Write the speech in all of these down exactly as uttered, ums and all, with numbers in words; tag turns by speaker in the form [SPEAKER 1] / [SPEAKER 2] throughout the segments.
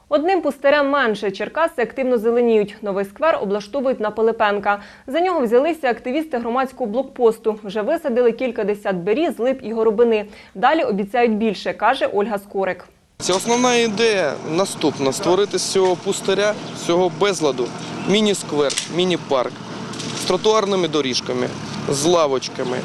[SPEAKER 1] Одним пустирем менше. Черкаси активно зеленіють. Новий сквер облаштовують на Пилипенка. За нього взялися активісти громадського блокпосту. Вже висадили кількадесят беріз, лип і горобини. Далі обіцяють більше, каже Ольга Скорик.
[SPEAKER 2] Це основна ідея наступна – створити з цього пустиря, з цього безладу міні-сквер, міні-парк з тротуарними доріжками, з лавочками.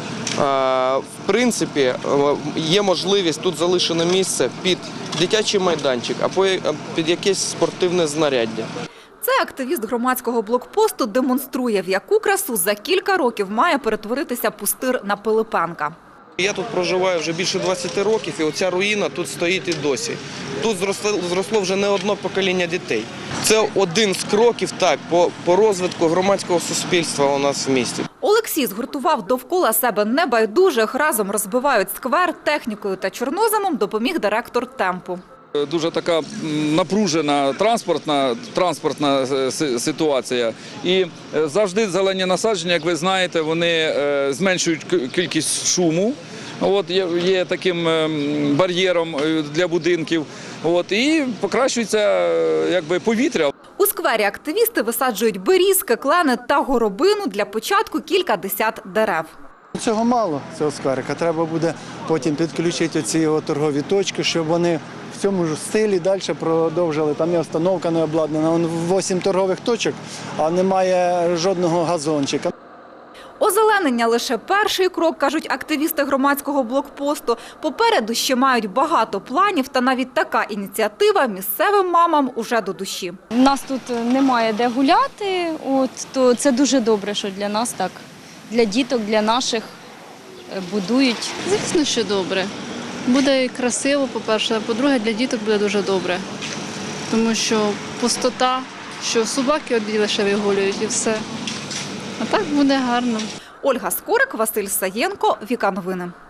[SPEAKER 2] В принципі, є можливість тут залишено місце під дитячий майданчик або під якесь спортивне знаряддя.
[SPEAKER 3] Це активіст громадського блокпосту демонструє, в яку красу за кілька років має перетворитися пустир на Пилипенка.
[SPEAKER 2] Я тут проживаю вже більше двадцяти років, і оця руїна тут стоїть і досі. Тут зросло, зросло вже не одне покоління дітей. Це один з кроків так, по, по розвитку громадського суспільства у нас в місті.
[SPEAKER 3] Олексій згуртував довкола себе небайдужих, разом розбивають сквер, технікою та чорноземом допоміг директор «Темпу».
[SPEAKER 4] Дуже така напружена транспортна, транспортна ситуація. І завжди зелені насадження, як ви знаєте, вони зменшують кількість шуму. От, є, є таким бар'єром для будинків. От, і покращується якби, повітря.
[SPEAKER 3] У сквері активісти висаджують берізки, клени та горобину, для початку кількадесят дерев.
[SPEAKER 5] Цього мало, цього скверика. Треба буде потім підключити ці його торгові точки, щоб вони в цьому ж стилі далі продовжили. Там є установка не обладнана. Вон вісім торгових точок, а немає жодного газончика.
[SPEAKER 3] Озеленення – лише перший крок, кажуть активісти громадського блокпосту. Попереду ще мають багато планів, та навіть така ініціатива місцевим мамам уже до душі.
[SPEAKER 6] У нас тут немає де гуляти, от, то це дуже добре, що для нас так, для діток, для наших будують.
[SPEAKER 7] Звісно, що добре. Буде красиво, по-перше, а по-друге, для діток буде дуже добре. Тому що пустота, що собаки одні лише вигулюють і все. А так буде гарно.
[SPEAKER 3] Ольга Скорик, Василь Саєнко, Віка Новини.